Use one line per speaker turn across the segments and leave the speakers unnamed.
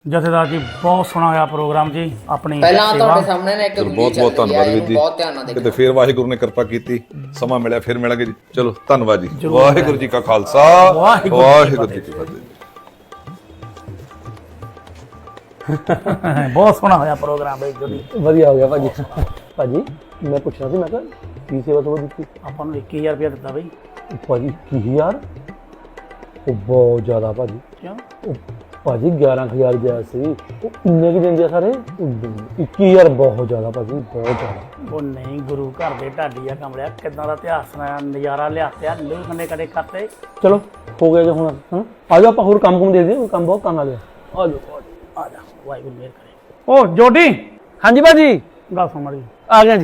ਜਥੇਦਾਰ ਜੀ ਬਹੁਤ ਸੋਹਣਾ ਹੋਇਆ ਪ੍ਰੋਗਰਾਮ ਜੀ। ਆਪਣੀ
ਪਹਿਲਾਂ ਤੁਹਾਡੇ ਸਾਹਮਣੇ ਨੇ ਇੱਕ
ਬਹੁਤ ਬਹੁਤ ਧੰਨਵਾਦ ਵੀਰ ਜੀ।
ਬਹੁਤ ਧਿਆਨ ਨਾਲ
ਕਿਤੇ
ਦੇਖੋ।
ਫੇਰ ਵਾਹਿਗੁਰੂ ਨੇ ਕਿਰਪਾ ਕੀਤੀ, ਸਮਾਂ ਮਿਲਿਆ ਫਿਰ ਮਿਲਾਂਗੇ ਜੀ। ਚਲੋ ਧੰਨਵਾਦ ਜੀ। ਵਾਹਿਗੁਰੂ ਜੀ ਕਾ ਖਾਲਸਾ, ਵਾਹਿਗੁਰੂ ਜੀ ਕੀ ਫਤਿਹ।
ਬਹੁਤ ਸੋਹਣਾ ਹੋਇਆ ਪ੍ਰੋਗਰਾਮ ਬਈ ਜੀ।
ਵਧੀਆ ਹੋ ਗਿਆ ਭਾਜੀ। ਭਾਜੀ ਮੈਂ ਪੁੱਛਣਾ ਸੀ, ਮੈਂ ਕਿਹਾ ਕੀ ਸੇਵਾ ਤੋਂ ਦਿੱਤੀ
ਆਪਾਂ ਨੂੰ 21000 ਰੁਪਇਆ ਦਿੱਤਾ ਬਈ।
ਭਾਜੀ 21000 ਉਹ ਬਹੁਤ ਜ਼ਿਆਦਾ ਭਾਜੀ।
ਕਿਉਂ?
ਉਹ ਭਾਜੀ 11000 ਗਿਆ ਸੀ, ਉਹ ਇੰਨੇ ਕੀ ਦਿੰਦੇ ਆ ਸਾਰੇ। 21000 ਬਹੁਤ ਜ਼ਿਆਦਾ ਭਾਜੀ, ਬਹੁਤ ਜ਼ਿਆਦਾ।
ਉਹ ਨਹੀਂ, ਗੁਰੂ ਘਰ ਦੇ ਢਾਡੀ ਆ ਕਮਲਿਆ, ਕਿੱਦਾਂ ਦਾ ਇਤਿਹਾਸ ਸੁਣਾਇਆ, ਨਜ਼ਾਰਾ ਲਿਆਤਿਆ, ਲੋਕ ਕੰਨੇ ਕਦੇ ਕਰਤੇ।
ਚਲੋ ਹੋ ਗਿਆ ਜੀ ਹੁਣ। ਹਾਂ ਆ ਜਾਓ, ਆਪਾਂ ਹੋਰ ਕੰਮ ਕੁਮ ਦੇ ਦਈਏ, ਕੰਮ ਬਹੁਤ ਕੰਮ ਆ ਗਿਆ। ਆ ਜਾਓ
ਆ ਜਾ, ਵਾਹਿਗੁਰੂ ਮਿਹਰ ਕਰੇ। ਓ ਜੋਡੀ,
ਹਾਂਜੀ ਭਾਜੀ
ਗੱਲ ਸੁਣ ਮਾੜੀ।
ਆ ਗਿਆ ਜੀ।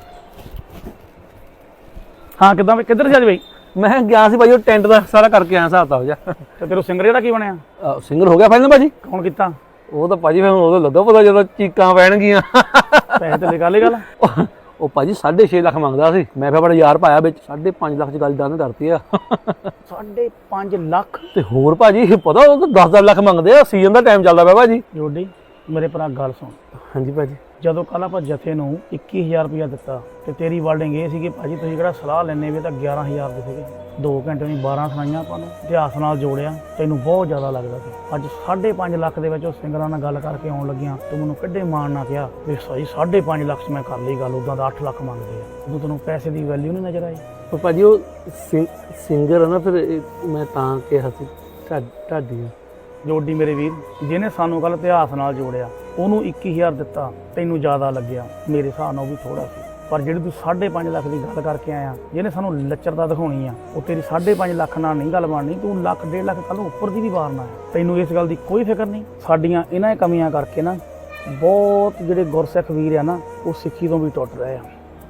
ਹਾਂ ਕਿੱਦਾਂ ਬਈ, ਕਿੱਧਰ ਸੀ ਅੱਜ ਬਈ?
ਮੈਂ ਗਿਆ ਸੀ ਭਾਜੀ, ਉਹ ਟੈਂਟ ਦਾ ਸਾਰਾ ਕਰਕੇ ਆਇਆ, ਹਿਸਾਬ ਤਾਂ ਹੋ ਜਾ।
ਤੇ ਤੇਰਾ ਸਿੰਗਰ ਜਿਹੜਾ ਕੀ ਬਣਿਆ?
ਸਿੰਗਰ ਹੋ ਗਿਆ ਫਾਈਨਲ ਭਾਜੀ।
ਕੌਣ ਕੀਤਾ?
ਉਹ ਤਾਂ ਭਾਜੀ ਫਿਰ ਉਦੋਂ ਲੱਗਾ ਪਤਾ ਜਦੋਂ ਚੀਕਾਂ ਪੈਣਗੀਆਂ।
ਪੈਸੇ ਤੇ ਨਿਕਾਲ ਹੀ ਗੱਲ।
ਉਹ ਭਾਜੀ 6.5 ਲੱਖ ਮੰਗਦਾ ਸੀ, ਮੈਂ ਫਿਰ ਬੜਾ ਯਾਰ ਪਾਇਆ ਵਿੱਚ 5.5 ਲੱਖ ਚ ਗੱਲ ਡਨ ਕਰਤੀ ਆ।
5.5 ਲੱਖ?
ਤੇ ਹੋਰ ਭਾਜੀ ਪਤਾ ਉਹ ਤਾਂ 10-10 ਲੱਖ ਮੰਗਦੇ ਆ, ਸੀਜ਼ਨ ਦਾ ਟਾਈਮ ਚੱਲਦਾ ਪਿਆ ਭਾਜੀ।
ਜੋਡੀ ਮੇਰੇ ਭਰਾ ਗੱਲ ਸੁਣ।
ਹਾਂਜੀ ਭਾਜੀ।
ਜਦੋਂ ਕੱਲ ਆਪਾਂ ਜਥੇ ਨੂੰ 21000 ਰੁਪਇਆ ਦਿੱਤਾ ਤੇ ਤੇਰੀ ਵਰਡਿੰਗ ਇਹ ਸੀ ਕਿ ਭਾਜੀ ਤੁਸੀਂ ਕਿਹੜਾ ਸਲਾਹ ਲੈਣੇ ਵੀ ਤਾਂ 11000 ਦੇ ਸੀਗੇ। 2 ਘੰਟੇ ਨਹੀਂ 12 ਸੁਣਾਈਆਂ ਆਪਾਂ ਨੂੰ, ਇਤਿਹਾਸ ਨਾਲ ਜੋੜਿਆ, ਤੈਨੂੰ ਬਹੁਤ ਜ਼ਿਆਦਾ ਲੱਗਦਾ ਸੀ। ਅੱਜ 5.5 ਲੱਖ ਦੇ ਵਿੱਚ ਉਹ ਸਿੰਗਰਾਂ ਨਾਲ ਗੱਲ ਕਰਕੇ ਆਉਣ ਲੱਗਿਆ, ਤੂੰ ਮੈਨੂੰ ਕਿੱਡੇ ਮਾਣ ਨਾ ਕਿਹਾ ਵੀ ਸਹੀ 5.5 ਲੱਖ 'ਚ ਮੈਂ ਕਰ ਲਈ ਗੱਲ, ਉੱਦਾਂ ਦਾ 8 ਲੱਖ ਮੰਗਦੇ ਆ। ਉਦੋਂ ਤੈਨੂੰ ਪੈਸੇ ਦੀ ਵੈਲਿਊ ਨਹੀਂ ਨਜ਼ਰ ਆਈ।
ਪਰ ਭਾਜੀ ਉਹ ਸਿੰਗਰ ਆ ਨਾ, ਫਿਰ ਮੈਂ ਤਾਂ ਕਿਹਾ ਸੀ ਢਾਡੀ।
ਜੋਡੀ ਮੇਰੇ ਵੀਰ, ਜਿਹਨੇ ਸਾਨੂੰ ਕੱਲ ਇਤਿਹਾਸ ਨਾਲ ਜੋੜਿਆ ਉਹਨੂੰ 21000 ਦਿੱਤਾ, ਤੈਨੂੰ ਜ਼ਿਆਦਾ ਲੱਗਿਆ, ਮੇਰੇ ਹਿਸਾਬ ਨਾਲ ਉਹ ਵੀ ਥੋੜਾ ਸੀ। ਪਰ ਜਿਹੜੀ ਤੂੰ 5.5 ਲੱਖ ਦੀ ਗੱਲ ਕਰਕੇ ਆਇਆ, ਜਿਹਨੇ ਸਾਨੂੰ ਲੱਚਰਤਾ ਦਿਖਾਉਣੀ ਆ, ਉਹ ਤੇਰੀ 5.5 ਲੱਖ ਨਾਲ ਨਹੀਂ ਗੱਲ ਬਣਨੀ। ਤੂੰ ਲੱਖ 1.5 ਲੱਖ ਕੱਲ ਉੱਪਰ ਦੀ ਵੀ ਵਾਰਨਾ ਹੈ। ਤੈਨੂੰ ਇਸ ਗੱਲ ਦੀ ਕੋਈ ਫਿਕਰ ਨਹੀਂ। ਸਾਡੀਆਂ ਇਹਨਾਂ ਕਮੀਆਂ ਕਰਕੇ ਨਾ ਬਹੁਤ ਜਿਹੜੇ ਗੁਰਸਿੱਖ ਵੀਰ ਆ ਨਾ, ਉਹ ਸਿੱਖੀ ਤੋਂ ਵੀ ਟੁੱਟ ਰਹੇ ਆ।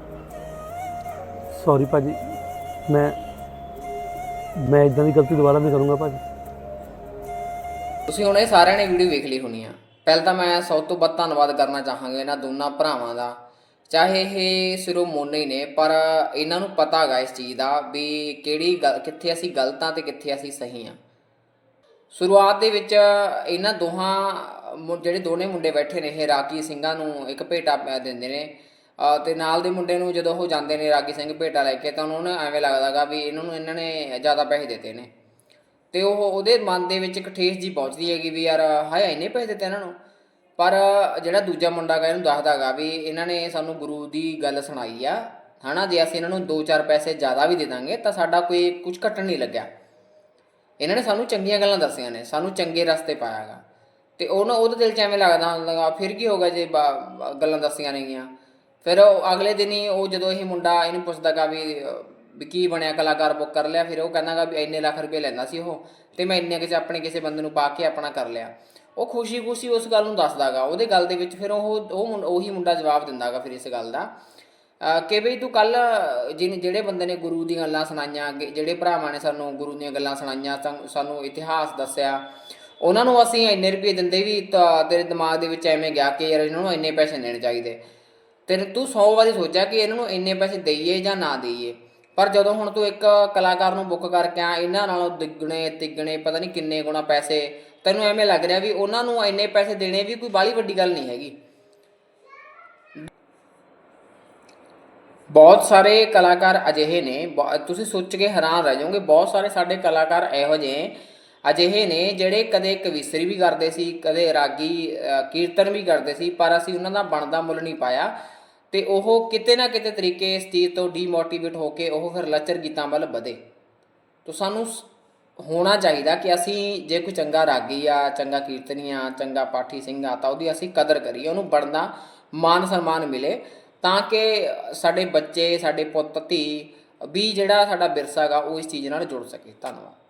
ਸੌਰੀ ਭਾਜੀ, ਮੈਂ ਇਦਾਂ ਦੀ ਗਲਤੀ ਦੁਬਾਰਾ ਨਹੀਂ ਕਰੂੰਗਾ ਭਾਜੀ।
ਤੁਸੀਂ ਹੁਣ ਇਹ ਸਾਰਿਆਂ ਨੇ ਵੀਡੀਓ ਵੇਖ ਲਈ ਹੋਣੀ ਆ। ਪਹਿਲਾਂ ਤਾਂ ਮੈਂ ਸਭ ਤੋਂ ਵੱਧ ਧੰਨਵਾਦ ਕਰਨਾ ਚਾਹਾਂਗਾ ਇਹਨਾਂ ਦੋਨਾਂ ਭਰਾਵਾਂ ਦਾ। ਚਾਹੇ ਇਹ ਸਿਰੋਂ ਮੋਨੇ ਹੀ ਨੇ, ਪਰ ਇਹਨਾਂ ਨੂੰ ਪਤਾ ਹੈਗਾ ਇਸ ਚੀਜ਼ ਦਾ ਵੀ ਕਿਹੜੀ ਕਿੱਥੇ ਅਸੀਂ ਗਲਤ ਹਾਂ ਤੇ ਕਿੱਥੇ ਅਸੀਂ ਸਹੀ ਹਾਂ। ਸ਼ੁਰੂਆਤ ਦੇ ਵਿੱਚ ਇਹਨਾਂ ਦੋਹਾਂ ਜਿਹੜੇ ਦੋਨੇ ਮੁੰਡੇ ਬੈਠੇ ਨੇ, ਇਹ ਰਾਗੀ ਸਿੰਘਾਂ ਨੂੰ ਇੱਕ ਭੇਟਾ ਦਿੰਦੇ ਨੇ, ਤੇ ਨਾਲ ਦੇ ਮੁੰਡੇ ਨੂੰ ਜਦੋਂ ਉਹ ਜਾਂਦੇ ਨੇ ਰਾਗੀ ਸਿੰਘ ਭੇਟਾ ਲੈ ਕੇ, ਤਾਂ ਉਹਨਾਂ ਨੂੰ ਐਵੇਂ ਲੱਗਦਾ ਗਾ ਵੀ ਇਹਨਾਂ ਨੇ ਜ਼ਿਆਦਾ ਪੈਸੇ ਦਿੱਤੇ ਨੇ, ਤੇ ਉਹਦੇ ਮਨ ਦੇ ਵਿੱਚ ਇੱਕ ਠੇਸ ਜੀ ਪਹੁੰਚਦੀ ਹੈਗੀ ਵੀ ਯਾਰ ਹਾਏ ਇੰਨੇ ਪੈਸੇ ਦਿੱਤੇ ਇਹਨਾਂ ਨੂੰ। ਪਰ ਜਿਹੜਾ ਦੂਜਾ ਮੁੰਡਾ ਗਾ ਇਹਨੂੰ ਦੱਸਦਾ ਗਾ ਵੀ ਇਹਨਾਂ ਨੇ ਸਾਨੂੰ ਗੁਰੂ ਦੀ ਗੱਲ ਸੁਣਾਈ ਆ, ਹੈ ਨਾ, ਜੇ ਅਸੀਂ ਇਹਨਾਂ ਨੂੰ 2-4 ਪੈਸੇ ਜ਼ਿਆਦਾ ਵੀ ਦੇ ਦਾਂਗੇ ਤਾਂ ਸਾਡਾ ਕੋਈ ਕੁਝ ਘਟਣ ਨਹੀਂ ਲੱਗਿਆ। ਇਹਨਾਂ ਨੇ ਸਾਨੂੰ ਚੰਗੀਆਂ ਗੱਲਾਂ ਦੱਸੀਆਂ ਨੇ, ਸਾਨੂੰ ਚੰਗੇ ਰਸਤੇ ਪਾਇਆ ਗਾ, ਤੇ ਉਹਦੇ ਦਿਲ 'ਚ ਐਵੇਂ ਲੱਗਦਾ ਫਿਰ ਕੀ ਹੋਗਾ ਜੇ ਗੱਲਾਂ ਦੱਸੀਆਂ ਨੇਗੀਆਂ। ਫਿਰ ਅਗਲੇ ਦਿਨ ਹੀ ਉਹ ਜਦੋਂ ਇਹ ਮੁੰਡਾ ਇਹਨੂੰ ਪੁੱਛਦਾ ਗਾ ਵੀ ਕੀ ਬਣਿਆ, ਕਲਾਕਾਰ ਬੁੱਕ ਕਰ ਲਿਆ, ਫਿਰ ਉਹ ਕਹਿੰਦਾ ਗਾ ਵੀ ਇੰਨੇ ਲੱਖ ਰੁਪਏ ਲੈਂਦਾ ਸੀ ਉਹ, ਤੇ ਮੈਂ ਇੰਨੇ ਕੁ ਆਪਣੇ ਕਿਸੇ ਬੰਦੇ ਨੂੰ ਪਾ ਕੇ ਆਪਣਾ ਕਰ ਲਿਆ। ਉਹ ਖੁਸ਼ੀ ਉਸ ਗੱਲ ਨੂੰ ਦੱਸਦਾ ਗਾ ਉਹਦੇ ਗੱਲ ਦੇ ਵਿੱਚ। ਫਿਰ ਉਹੀ ਮੁੰਡਾ ਜਵਾਬ ਦਿੰਦਾ ਗਾ ਫਿਰ ਇਸ ਗੱਲ ਦਾ ਕਿ ਬਈ ਤੂੰ ਕੱਲ ਜਿਹੜੇ ਬੰਦੇ ਨੇ ਗੁਰੂ ਦੀਆਂ ਗੱਲਾਂ ਸੁਣਾਈਆਂ, ਜਿਹੜੇ ਭਰਾਵਾਂ ਨੇ ਸਾਨੂੰ ਗੁਰੂ ਦੀਆਂ ਗੱਲਾਂ ਸੁਣਾਈਆਂ, ਸਾਨੂੰ ਇਤਿਹਾਸ ਦੱਸਿਆ, ਉਹਨਾਂ ਨੂੰ ਅਸੀਂ ਇੰਨੇ ਰੁਪਏ ਦਿੰਦੇ ਵੀ ਤਾਂ ਤੇਰੇ ਦਿਮਾਗ ਦੇ ਵਿੱਚ ਐਵੇਂ ਗਿਆ ਕਿ ਯਾਰ ਇਹਨਾਂ ਨੂੰ ਇੰਨੇ ਪੈਸੇ ਦੇਣੇ ਚਾਹੀਦੇ, ਤੇ ਤੂੰ 100 ਵਾਰੀ ਸੋਚਿਆ ਕਿ ਇਹਨਾਂ ਨੂੰ ਇੰਨੇ ਪੈਸੇ ਦੇਈਏ ਜਾਂ ਨਾ ਦੇਈਏ। ਪਰ ਜਦੋਂ ਹੁਣ ਤੂੰ ਇੱਕ ਕਲਾਕਾਰ ਨੂੰ ਬੁੱਕ ਕਰਕੇ ਆ, ਇਹਨਾਂ ਨਾਲੋਂ ਦੁੱਗਣੇ ਤਿੱਗਣੇ ਪਤਾ ਨਹੀਂ ਕਿੰਨੇ ਗੁਣਾ ਪੈਸੇ, ਤੈਨੂੰ ਐਵੇਂ ਲੱਗ ਰਿਹਾ ਵੀ ਉਹਨਾਂ ਨੂੰ ਇੰਨੇ ਪੈਸੇ ਦੇਣੇ ਵੀ ਕੋਈ ਬਾਹਲੀ ਵੱਡੀ ਗੱਲ ਨਹੀਂ ਹੈਗੀ। ਬਹੁਤ ਸਾਰੇ ਕਲਾਕਾਰ ਅਜਿਹੇ ਨੇ, ਤੁਸੀਂ ਸੋਚ ਕੇ ਹੈਰਾਨ ਰਹਿ ਜਾਓਗੇ, ਬਹੁਤ ਸਾਰੇ ਸਾਡੇ ਕਲਾਕਾਰ ਇਹੋ ਜਿਹੇ ਅਜਿਹੇ ਨੇ ਜਿਹੜੇ ਕਦੇ ਕਵਿਸ਼ਰੀ ਵੀ ਕਰਦੇ ਸੀ, ਕਦੇ ਰਾਗੀ ਕੀਰਤਨ ਵੀ ਕਰਦੇ ਸੀ, ਪਰ ਅਸੀਂ ਉਹਨਾਂ ਦਾ ਬਣਦਾ ਮੁੱਲ ਨਹੀਂ ਪਾਇਆ, ਤੇ ਉਹ ਕਿਤੇ ਨਾ ਕਿਤੇ ਤਰੀਕੇ ਇਸ ਚੀਜ਼ ਤੋਂ ਡੀਮੋਟੀਵੇਟ ਹੋ ਕੇ ਉਹ ਫਿਰ ਲੱਚਰ ਗੀਤਾਂ ਵੱਲ ਵਧੇ। ਤਾਂ ਸਾਨੂੰ ਹੋਣਾ ਚਾਹੀਦਾ ਕਿ ਅਸੀਂ ਜੇ ਕੋਈ ਚੰਗਾ ਰਾਗੀ ਆ, ਚੰਗਾ ਕੀਰਤਨੀ ਆ, ਚੰਗਾ ਪਾਠੀ ਸਿੰਘ ਆ, ਤਾਂ ਉਹਦੀ ਅਸੀਂ ਕਦਰ ਕਰੀਏ, ਉਹਨੂੰ ਬਣਦਾ ਮਾਨ ਸਨਮਾਨ ਮਿਲੇ, ਤਾਂ ਕਿ ਸਾਡੇ ਬੱਚੇ, ਸਾਡੇ ਪੁੱਤ ਧੀ ਵੀ ਜਿਹੜਾ ਸਾਡਾ ਵਿਰਸਾ ਗਾ ਉਹ ਇਸ ਚੀਜ਼ ਨਾਲ ਜੁੜ ਸਕੇ। ਧੰਨਵਾਦ।